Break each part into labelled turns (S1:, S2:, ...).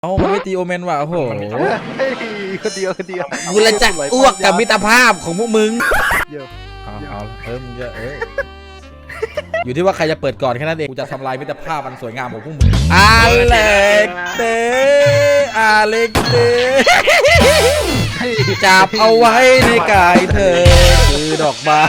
S1: มันไม่ตีโอเมนว่ะโอ้โห
S2: คนเดียว
S1: กูละจะอ้วกกับมิตรภาพของพวกมึงมึงจะอยู่ที่ว่าใครจะเปิดก่อนแค่นั้นเองกูจะทำลายมิตรภาพมันสวยงามของพวกมึงอเล็กเต้จับเอาไว้ในกายเธอคือดอกไม้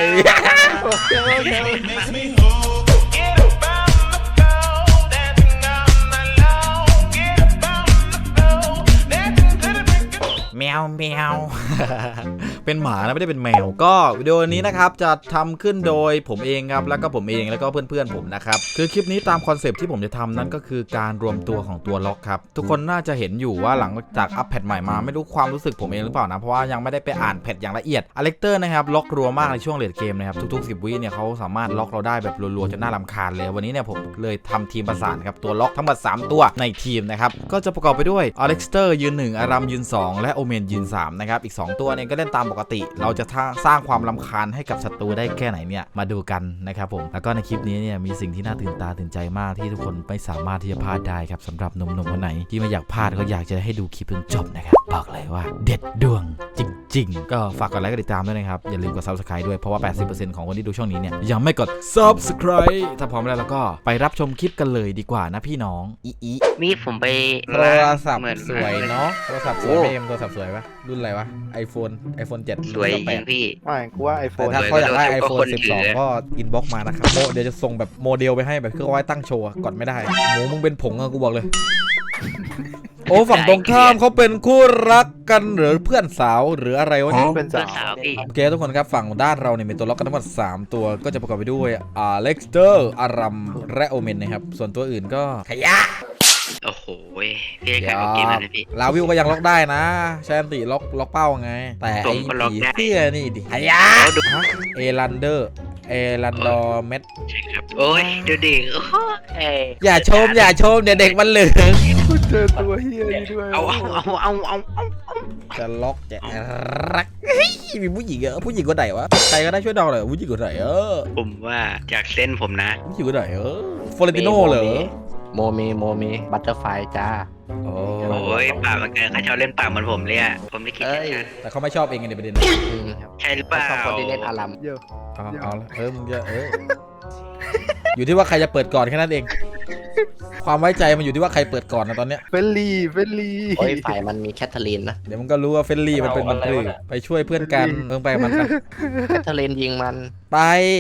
S1: แมวเป็นหมานะไม่ได้เป็นแมวก็วิดีโอนี้นะครับจะทำขึ้นโดยผมเองครับแล้วก็ผมเองแล้วก็เพื่อนๆผมนะครับคือคลิปนี้ตามคอนเซปต์ที่ผมจะทำนั้นก็คือการรวมตัวของตัวล็อกครับทุกคนน่าจะเห็นอยู่ว่าหลังจากอัปแพทใหม่มาไม่รู้ความรู้สึกผมเองหรือเปล่านะเพราะว่ายังไม่ได้ไปอ่านแพทอย่างละเอียดอเล็กเตอร์นะครับล็อกรัวมากในช่วงเลดเกมนะครับทุกๆ10 วิเนี่ยเขาสามารถล็อกเราได้แบบรัวๆจนน่ารำคาญเลยวันนี้เนี่ยผมเลยทำทีมประสานครับตัวล็อกทั้งหมด3ตัวในทีมนะครับก็จะประกอบไปด้วยอเล็กเตอร์ยืน1อารัมยืน2และโอเมนยืน3นะครับอีก2ตัวเนี่ยก็เล่นตามปกติเราจะสร้างความรำคาญให้กับศัตรูได้แค่ไหนเนี่ยมาดูกันนะครับผมแล้วก็ในคลิปนี้เนี่ยมีสิ่งที่น่าตื่นตาตื่นใจมากที่ทุกคนไม่สามารถที่จะพลาดได้ครับสำหรับหนุ่มๆคนไหนที่ไม่อยากพลาดก็อยากจะให้ดูคลิปจนจบนะครับบอกเลยว่าเด็ดดวงจริงๆก็ฝากกดไลค์กดติดตามด้วยนะครับอย่าลืมกด Subscribe ด้วยเพราะว่า 80% ของคนที่ดูช่องนี้เนี่ยยังไม่กด Subscribe ถ้าพร้อมแล้วก็ไปรับชมคลิปกันเลยดีกว่านะพี่น้อง
S3: นี่ผมไป
S1: โทรศัพท์สวยเนาะโทรศัพท์สวยไหมโทรศัพท์สวยปะรุ่นอะไรวะ iPhone 7
S3: สวยจริงพี่
S2: ไม่กูว่า iPhone
S1: ถ้าเขาอยากได้ iPhone 12 ก็อินบ็อกมานะครับเดี๋ยวจะส่งแบบโมเดลไปให้แบบเครื่องไว้ตั้งโชว์กดไม่ได้หมูมึงเป็นผงอะกูบอกเลยโอ้ฝั่งตรงข้ามเขาเป็นคู่รักกันหรือเพื่อนสาวหรืออะไรวะ
S2: เป็นสาว
S3: พี่
S1: โอเคทุกคนครับฝั่งด้านเราเนี่ยมีตัวล็อกกันทั้งหมด3ตัวก็จะประกอบไปด้วยเล็กเตอร์อารัมและโอเมนนะครับส่วนตัวอื่นก็ขยะ
S3: โอ้โหพี่ขายของกินอะไรพี่
S1: ลาวิวก็ยังล็อกได้นะแชนติล็อกเป้าไงแต่ไอ้ผีเสื้อนี่ดิขยะเอรันดอร์เม็ด
S3: โอ้ยดูดิ
S1: อย่าชมเดี๋ยวเด็กมันเหลือง
S2: เจอตัวเฮียนี่ด้วย
S3: เอา
S1: จะล็อกจะรักมีผู้หญิงผู้หญิงคนไหนวะใครก็ได้ช่วยดองหน่อยผู้หญิงคนไหน
S3: ผมว่าจากเส้นผมนะ
S1: ผู้หญิงคนไหนฟลอเรนติโน่เหรอ
S4: โมเมบัตเตอร์ไฟจ้า
S3: โอ้ยปากมันเกินเขาชอบเล่นปากเหมือนผมเลยอ่ะผมไม่คิด
S1: แต่เขาไม่ชอบเองไงในประเด็น
S3: ใช่หรือเปล่า
S4: คนที่เล่นอารัม
S1: เอามึงจะอยู่ที่ว่าใครจะเปิดก่อนแค่นั้นเองความไว้ใจมันอยู่ที่ว่าใครเปิดก่อนนะตอนเนี้ย
S2: เฟลลี่
S4: โอ้ยฝ่ายมันมีแคทเธอรีนนะ
S1: เดี๋ยวมันก็รู้ว่าเฟลลี่มันเป็นมันปลื้มไปช่วยเพื่อนกันไปมัน
S4: แคทเธอรีนยิงมัน
S1: ไป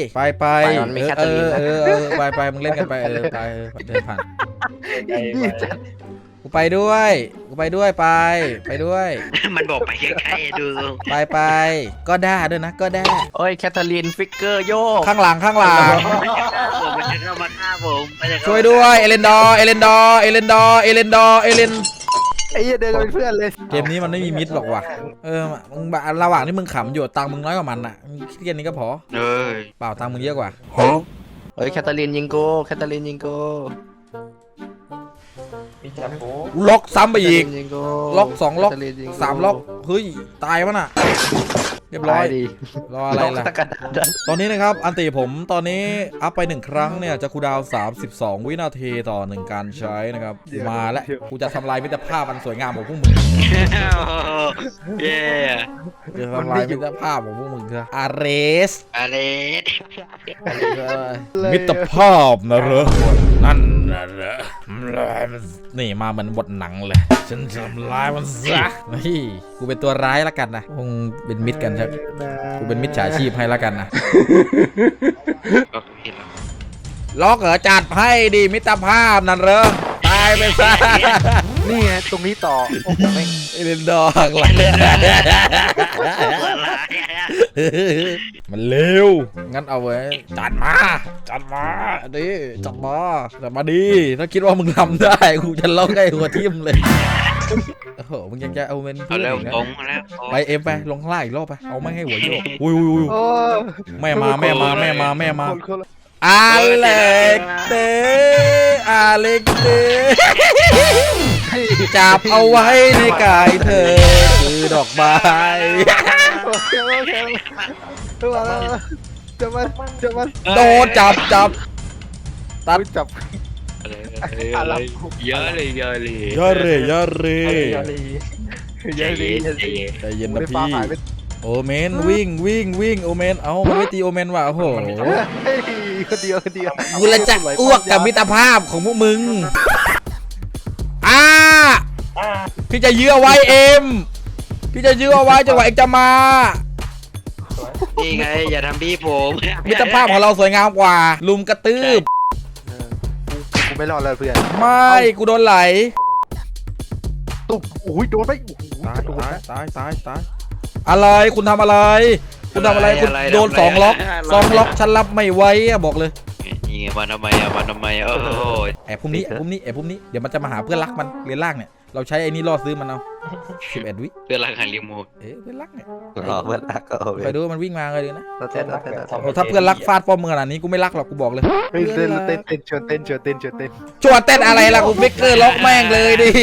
S1: ไปมึงเล่นกันไปไปเดินผ่านกูไปด้วยไปด้วย
S3: มันบอกไปใกล้ๆดู
S1: ไปก็ได้ด้วยนะก็ได้
S4: โอ้ยแคทเธอรีนฟิกเกอร์โยก
S1: ข้างหลัง
S3: มันจะเข้ามาฆ่าผม
S1: ช่วยด้วยเอเลนดอร์ไอ้เหี้
S2: ยเดินกันเป็นเพื่อนเลย
S1: เกมนี้มันไม่มีมิดหรอกว่ะมึงระหว่างที่มึงขำอยู่ตังมึงน้อยกว่ามันอ่ะคิดแค่นี้ก็พอเปล่าตังมึงเยอะกว่า
S4: เฮ้ยแคทเธอรีนยิงโก
S1: ล็อกซ้ำไปอีกล็อก2ล็อก3ล็อกเฮ้ยตายมั้งน่ะเรียบร้อยรออะไรล่ะตอนนี้นะครับอันติผมตอนนี้อัพไป1ครั้งเนี่ยจะคูลดาวน์32วินาทีต่อ1การใช้นะครับมาแล้วกูจะทำลายมิตรภาพมันสวยงามของพวกมึงจะทำลายมิตรภาพของพวกมึงเถอะอาเรสมิตรภาพนะเหรอนั่นนะเหรอนี่มาเหมือนบทหนังเลยฉันทำลายมันซะนี่กูเป็นตัวร้ายแล้วกันนะคงเป็นมิตรกันใช่กูเป็นมิจฉาชีพให้แล้วกันนะล็อกเหรอจัดให้ดีมิตรภาพนั่นเหรอตายไปซะ
S2: นี่ไงตรงนี้ต่อ
S1: เอเลนดอร์อะไรมันเร็วงั้นเอาไว้จัดมาดิจัดมาดีถ้าคิดว่ามึงทำได้กูจะล็อกให้หัวทิ่มเลยโอ้โหมึงยังจะเอาเมน
S3: เอาแล้ว
S1: ไปไปลงข้างล่างอีกรอบไปเอาไม่ให้หัวโยกอุ้ยแม่มาอเล็กเต้จับเอาไว้ในกายเธอคือดอกไม้
S2: จะมา
S1: โดนจับ
S2: ตัดจับอะไร
S3: เยอะเลยเยอะเลย
S1: ยอดเลยยอดเลย
S3: ใจเย็นใจเย็น
S1: ใจเย็นนะ
S2: ไม่ฟ้า
S1: พี่
S2: หายไป
S1: โอเมนวิ่งโอเมนเอ้ามันไม่ตีโอเมนว่ะโอ้โห
S2: เฮ้ยคนเดียว
S1: กูละจะอ้วกกับมิตรภาพของพวกมึงพี่จะยื้อเอาไว้เอ็มพี่จะยื้อเอาไว้จังหวะเอ็กจะมา
S3: นี่ไงอย่าทำพี่ผม
S1: มิตรภาพของเราสวยงามกว่า ลุมกระตืบ
S2: กูไม่รอดแล้วเพื่อน
S1: ไม่กูโดนไหล
S2: ตุ๊บโอ้ยโดนไปโดน
S1: ตายอะไรคุณทำอะไร คุณทำอะไรคุณโดน2 ล็อกฉันรับไม่ไหวอะบอกเลย
S3: นี่ไงมาทำไมโอ้โห
S1: แอบพุ่มนี้เดี๋ยวมันจะมาหาเพื่อนรักมันเรียนล่างเนี่ยเราใช้ไอ้นี่ล่อซื้อมันเอา11 วิ
S3: เพื่อนรักหันรีโมท
S1: เพื่อนรักเนี่ย
S4: อ๋อเพื่อนรักก็โอเค
S1: ไปดูมันวิ่งมาเลยนะ
S4: เราเต้น
S1: โอ้ถ้าเพื่อนรักฟาดป้อมมือขนาดนี้กูไม่รักหรอกกูบอกเลย
S2: เฮ้ยเต้นชวนเต้น
S1: ชวนเต้นอะไรล่ะกูฟิกเกอร์ล็อกแม่งเลยดิ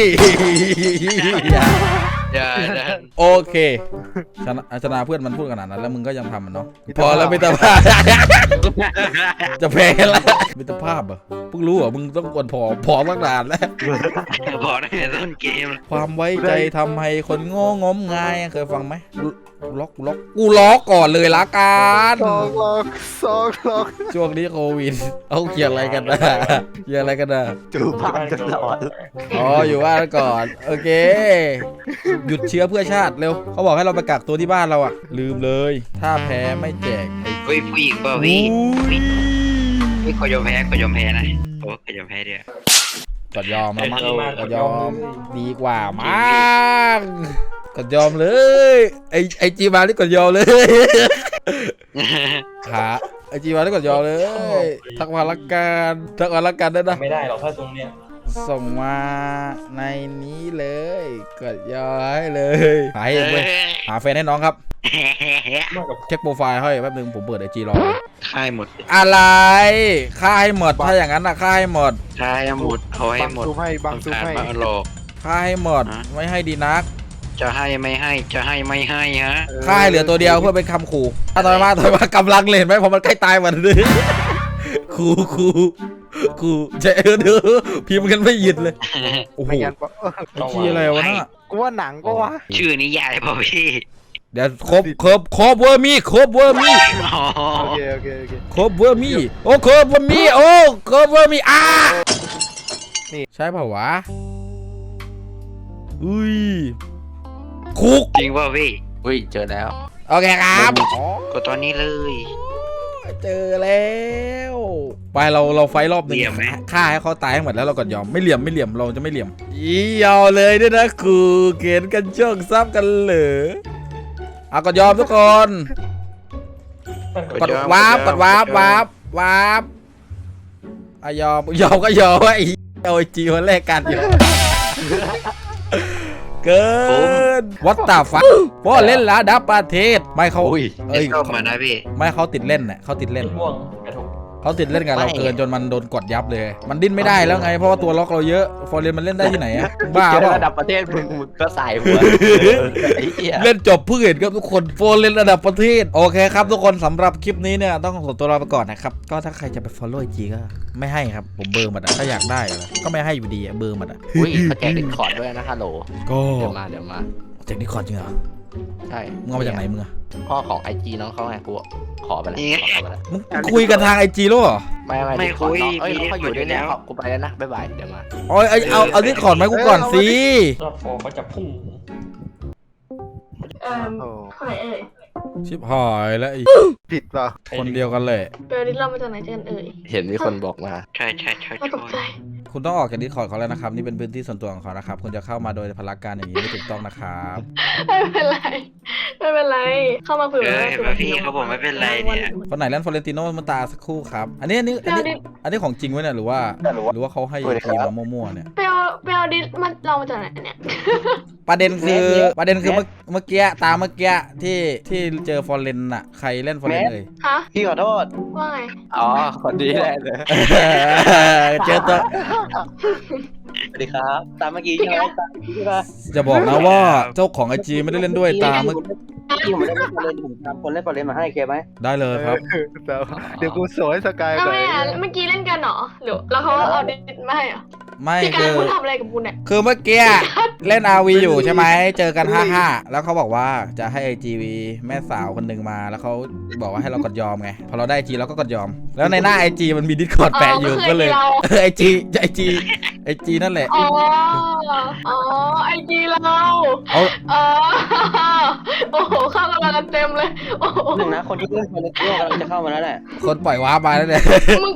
S3: อย่า
S1: โอเคชนะเพื่อนมันพูดขนาดนั้นแล้วมึงก็ยังทำมันเนาะพอแล้วมิตรภาพ จะแพ้แล้วมิตรภาพเหรอเพิ่งรู้เหรอมึงต้องกวนผอมตั้งนานแล้ว
S3: บอกในต้นเกม
S1: ความไว้ใจทำให้คนโง่งมงายเคยฟังไหมกูล็อกก่อนเลยละกัน
S2: สองล็อก
S1: ช่วงนี้โควิดเอาเกี่ยวอะไรกันนะ
S4: จูบบ้านตลอด
S1: อ๋ออยู่บ้านก่อนโอเคหยุดเชื้อเพื่อชาติเร็วเขาบอกให้เราไปกักตัวที่บ้านเราอะลืมเลยถ้าแพ้ไม่แจกไอ้
S3: เฮ้ยผู้หญิงเปล่าพี่นี่ขอยอมแพ้นะโอ้ขอยอมแพ้เดียว
S1: กดยอมแล้วมั้งกดยอมดีกว่ามั้งกดยอมเลยไอจีมาที่กดยอมเลยขาไอจีมาที่กดยอมเลยทักมาละกันได้นะ
S5: ไม่ได้หรอกถ้าตรงเนี้ย
S1: ส่งมาในนี้เลยกดยอมให้เลยหาให้เองเว้ยหาแฟนให้น้องครับ
S5: มากกับ
S1: เช็คโปรไฟล์ให้แป๊บนึงผมเปิดไอจีรอ
S3: ค่ายหมด
S1: อะไรค่าให้หมดถ้าอย่างนั้นนะค่าให้หมด
S3: ค่ายหมดเอาให้หมด
S2: ซูมให้บังซูมให้
S3: มาหลอก
S1: ค่าให้หมดไม่ให้ดีนัก
S3: จะให้ไม่ให้จะให้ไม่ให้ฮะ
S1: ค่าให้เหลือตัวเดียวเพื่อเป็นคำขู่ถ้าต่อยมากำลังเลยเห็นไหมพอมันใกล้ตายมันเลยขู่เจ๊ดูพิมพ์กันไม่หยุดเลยโอ้โห
S2: ไม่งั้นปะ
S1: ขี้อะไรวะน่ะ
S2: กูว่าหนังก็วะ
S3: ชื่อนี้ใหญ่ป่ะพี่
S1: เดี๋ยวครบเวอร์มี่
S3: อ๋อ
S2: โอเค
S1: ครบเวอร์มี่โอ้ครบเวอร์มี่โอ้ครบเวอร์มี่นี่ใช่เปล่าวะอุ้ยคุก
S3: จริงป่ะพี่
S4: อุ้ยเจอแล้ว
S1: โอเคครับ
S3: ก็ตอนนี้เลย
S1: เจอแล้วไปเราไฟรอบหนึ่ง
S3: เหลี่ยมไหม
S1: ฆ่าให้เขาตายให้หมดแล้วเราก็ยอมไม่เหลี่ยมเราจะไม่เหลี่ยมยาวเลยด้วยนะครูเกณฑ์กันโชคทรัพย์กันเหรอเอาก็ยอมทุกคนกดวาร์ปอะยอมก็ยอมไอ้โอ้ยจีวันแรกกันอยู่เกินวัดตาฟักเพราะเล่นระดับประเทศไม่เขา
S4: อุ้ย
S1: เอ้ย
S3: เข้ามานะพี่
S1: ไม่เขาติดเล่นน่ะเขาติดเล่น
S5: ม่วงกระทง
S1: เขาติดเล่นกับเราเกินจนมันโดนกดยับเลย มันดิ้นไม่ได้แล้วไงเพราะว่าตัวล็อกเราเยอะฟอร์เรนมันเล่นได้ที่ไหนอะบ้า
S4: เจอ
S1: เปล่า
S4: ระดับประเทศมึงก็ใส่หัวไอ้เหี้ย
S1: เล่นจบเพื่อเห็นครับทุกคนฟอร์เรนระดับประเทศโอเคครับทุกคนสำหรับคลิปนี้เนี่ยต้องขอตัวลาไปก่อนนะครับก็ถ้าใครจะไป follow IG ก็ไม่ให้ครับผมเบอร์มันอะถ้าอยากได้อะก็ไม่ให้อยู่ดีอะเบอร์มันอะ
S4: อุ้ยเขาแจกดิสคอร์ดด้วยนะฮัลโหล
S1: ก็
S4: เดี๋ยวมา
S1: จากนี้คอร์ดจริงเหรอ
S4: ใช่
S1: มึงเอามาจากไหนมึงอะ
S4: พ่อของไอจีน้องเขาไงกูขอไปแล้วขอไปแล้ว
S1: มึงคุยกันทาง IG แล้วเหรอ
S4: ไม่คุยเอ้ยเขาอยู่ด้วยเนี่ยกูไปแล้วนะบ๊ายบายเดี๋ยวมา
S1: เอาที่คอร์ดมาให้กูก่อนสิ
S5: รอบโฟเขาจะพุ่ง
S2: โอ้
S6: ใครเอ่ย
S1: ชิบหายแล้วไอ้
S2: ผิดเปล่า
S1: คนเดียวกันเลย
S6: เบลลิสเรามาจากไหนกันเอ่ย
S4: เห็นมีคนบอกมา
S3: ใช่
S6: น่าตกใจ
S1: คุณต้องออกจากดิสคอร์ดเขาแล้วนะครับนี่เป็นพื้นที่ส่วนตัวของเขานะครับคุณจะเข้ามาโดยพลการอย่างนี้ไม่ถูกต้องนะครับ
S6: ไม่เป็นไร เข้ามาเผื่อ
S3: เห็นป่ะพี่เขาบอกไม่เป็นไรเนี่ย
S1: คนไหนเล่นฟอเรนติโนมาตาสักครู่ครับอันนี้ของจริงไว้เนี่ยหรือว่าเขาให้ทีมมามั่วๆเนี่ย
S6: ไปเอาดิสมันเรามาจากไหนเนี่ย
S1: ประเด็นคือเมื่อกี้ตามเมื่อกี้ที่เจอฟอเรนอะใครเล่นฟอเรนเลย
S6: ฮะ
S4: พี่ขอโทษ
S6: ว่าไง
S4: อ๋อคนดีแหละเลย
S1: เจอตัว
S4: สวัสดีครับตามเมื่อกี้ใช่ไหม
S1: จะบอกนะว่าเจ้าของไอจีไม่ได้เล่นด้วยตามเมื่อ
S7: ที่ผมเล่นบอลเลนผมทำคนเล่นบอลเลนมาให้เคไหม
S1: ได้เลยครับ
S2: เดี๋ยวกูสวยสกาย
S6: ทำ
S2: ก่อ
S6: ไม
S2: น
S6: อ่ะเมื่อกี้เล่นกันเหรอหรือแล้วเขาเอาดิสมาให้เหรอ
S1: ไม่
S6: พี่การ
S1: คือ
S6: คุณทำอะไรกับคุณเนี่ย
S1: คือเมื่อกี้เล่น RV อยู่ใช่ไหมเจอกัน 55 แล้วเขาบอกว่าจะให้ IGV แม่สาวคนหนึ่งมาแล้วเขาบอกว่าให้เรากดยอมไงพอเราได้ IG เราก็กดยอม แล้วในหน้า IG มันมี Discord แปะอยู่ก็เลยIG นั่นแหละ
S6: อ๋อไอจีเรา
S1: เอา
S6: โอ้โหเข้ากันเต็มเลยโอ้โห
S7: หนึ่งนะคนที่เล่นคนในโลกกำลังจะเข้ามาแล้วแหละ
S1: คนปล่อยวาร์ปมาแล้วเนี่ย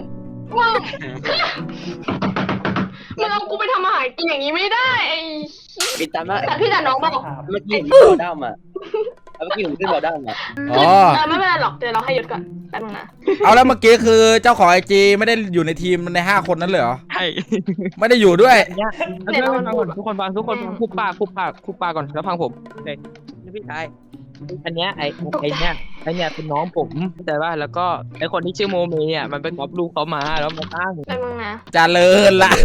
S6: มึงเอากูไปทำอาหารกินอย่างนี้ไม่ได้ไอ้
S7: ปิดตามมา
S6: แต่พี่แต่น้องบอก
S7: เมื่อกี้ผมขึ้นบอลด้ามอ่ะเมื่อกี้ผมขึ้นบอลด้ามอ่ะ
S1: อ๋อ
S6: ไม่เป็นไรหรอกเดี๋ยวเราให้ยศก่อนแป๊บนึงนะ
S1: เอาแล้วเมื่อกี้คือเจ้าของ IG ไม่ได้อยู่ในทีมใน5คนนั้นเลยเหรอ
S8: ใช่
S1: ไม่ได้อยู่ด้วย
S8: ทุกคนฟังคุบปากก่อนแล้วฟังผมเลยพี่ชายอันเนี้ยไอเนี้ยเป็นน้องผมแต่ว่าแล้วก็ไอคนที่ชื่อโมเมเนี่ยมันเป็นก๊อปลูกเขามาแล้วมาตั้ง
S6: แป๊บนึงนะ
S1: เจริญละ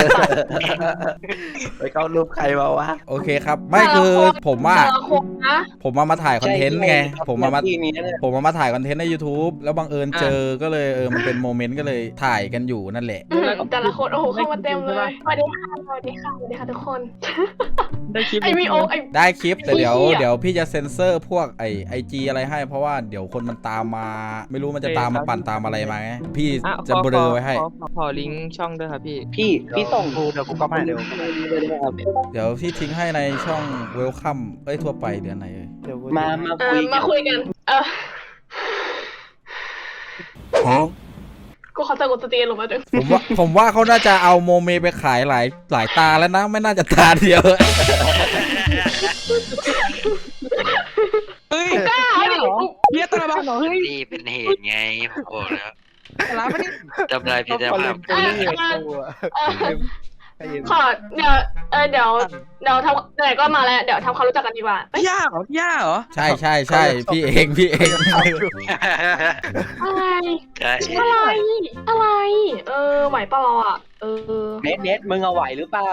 S4: ไปเข้ารูปใครมาวะ
S1: โอเคครับ ไม่คือผมว่า
S6: แต่ละคนนะ
S1: ผมมาถ่ายคอนเทนต์ไง ผมมา
S7: ที่มีนั่นแหละ
S1: ถ่ายคอนเทนต์ใน YouTube แล้วบังเอิญเจอก็เลยมันเป็นโมเมนต์ก็เลยถ่ายกันอยู่นั่นแหละ
S6: แต่ละคนโอ้โหเข้ามาเต็มเลยสวัสดีค่ะสวัสดีค่ะทุกคน
S8: ได้คลิป
S6: ไอวีโอไอ
S1: ได้คลิปแต่เดี๋ยว
S6: เหี้ย
S1: เดี๋ยวพี่จะเซ็นเซอร์พวกไอจีอะไรให้ เพราะว่าเดี๋ยวคนมันตามมา ไม่รู้มันจะตามมาปั่นตามอะไรมาไงพี่จะเบลอไว้ให้
S8: ขอลิงก์ช่องด้วยครับพี่
S7: พี่ส่ง
S2: เดี๋ยวกูก็มาเดี๋ยว
S7: เลยนะครับ
S1: เดี๋ยวพี่ทิ้งให้ในช่องเวลคัมทั่วไปเดือนไหนเอ่ย
S2: เดี๋ยวกู
S7: มา
S6: มาคุยกันกูขอสะกดสตรีลงมาด้วย
S1: ผมว่าเขาน่าจะเอาโมเมไปขายหลายตาแล้วนะ ไม่น่าจะตาเดียว
S8: เฮ้ย
S6: กล้าเหรอ
S8: เฮียตระบานเหรอเฮ้ย
S3: นี่เป็นเหตุไงผมบอกแล้ว
S8: ร้านไม่ได้
S3: จำลายพิจารณา
S6: ขอเดี๋ยวทำไหนก็มาแล้วเดี๋ยวทำความรู้จักกันดีกว่า
S8: ย่าเหรอ
S1: ใช่พี่เอง
S6: อะไร
S3: ใช่
S6: อะไรไหวเปล่าเราอ่ะ
S7: เน็ตมึงเอาไหวหรือเปล่า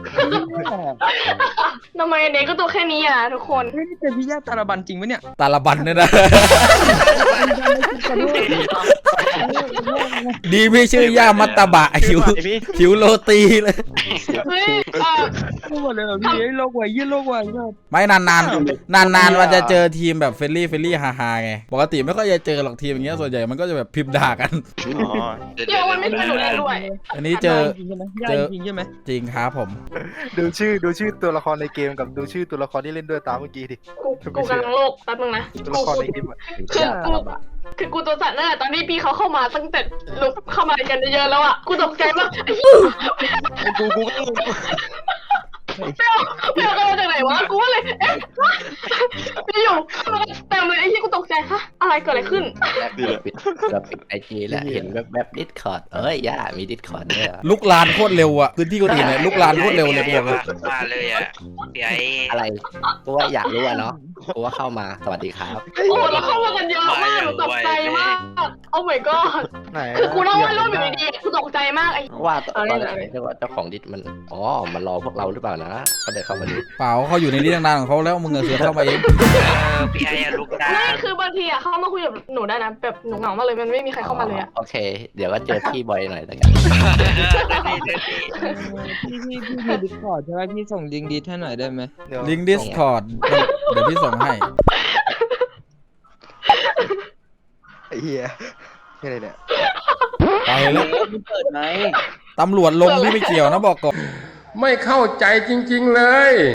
S6: ทำไมเด็กก็ตัวแค่นี้อ่ะทุกคน
S8: เฮ้ยนี่เป็นพี่ย่าตระบันจริงปะเนี่ย
S1: ตาละบันเนี่ยนะ ดีพี่ชื่อย่ามัตตบะหิวโรตีเลย
S6: เฮ้ย
S8: พูดหมดเลยเหรอพี่เฮ้ยโลกไหวยี่โลกไหวเนี่ย
S1: ไม่นานมันจะเจอทีมแบบเฟรนลี่ฮาไงปกติไม่ค่อยจะเจอหรอกทีมอย่างเงี้ยส่วนใหญ่มันก็จะแบบพิมพ์ด่ากัน
S6: เดี๋ยวมันไม่สนุกเลยด้วย
S1: อันนี้เจอ
S8: จริงใช่ไหมย่าจริงใช่ไหม
S1: จริงครับผม
S2: ดูชื่อตัวละครในเกมกับดูชื่อตัวละครที่เล่นด้วยตามเมื่อกี้ดิ
S6: กูกำลังโลกแป๊บนึงนะ
S2: ตัวละครในเกมอะ
S6: คือกูตัวสั่นนั่นแหละตอนที่พี่เขาเข้ามาตั้งแต่ลุกเข้ามากันเยอะแล้วอ่ะกูตกใจมาก
S2: กู
S6: เปรี้ยวกันมาจากไหนวะกูว่าเลยพี่อยู่เต็มเลยไอ้ที่กูตกใจฮะอะไรเกิดอะไรขึ้น
S4: เราปิดไอจีแล้วเห็นแบบดิสคอร์ดย่ามีดิสคอร์ดด้วย
S1: ลุกลานโคตรเร็วอะพื้นที่คนอื่นเนี่ยลุกลานโคตรเร็วเลยบอกเลย
S3: มาเลยอ่ะพี่ไอ้
S4: อะไรกูว่าอยากรู้อะเนาะกูว่าเข้ามาสวัสดีครับ
S6: โอ้แล้วเข้ามากันเยอะมากหนูตกใจมากโอ้ my god
S2: ไหน
S6: คือกูนั่งวาดรูปอยู่ดีๆกูตกใจมากไอ้
S4: ว่าตอนไหนว่าเจ้าของดิสมันมันรอพวกเราหรือเปล่านะก็เดินเข้ามาดู
S1: เปล่าเขาอยู่ในนี้นานๆของเขาแล้วมึงเสือเข้ามาเอง
S3: พี่ไอ้ลุกได้
S6: ไม่คือบางทีอะเข้ามาคุยกับหนูได้นะแบบหนูเหงามากเลยมันไม่มีใครเข้ามาเลยอะ
S4: โอเค เดี๋ยวก็เจอพี่บ่อยหน่อยแต่กัน
S8: พี่มีดิสคอร์ดใช่ไหมพี่ส่งลิงก์ดิสให้หน่อยได้ไหม
S1: ลิงก์ Discord เดี๋ยวพี่ส่งให้
S2: ไอ้เหี้ยนี่อะไรเนี่ย
S1: ไปแล้ว
S7: มึงเปิดไหม
S1: ตำรวจลงพี่ไม่เกี่ยวนะบอกก่อน
S9: ไม่เข้าใจจริงๆเลย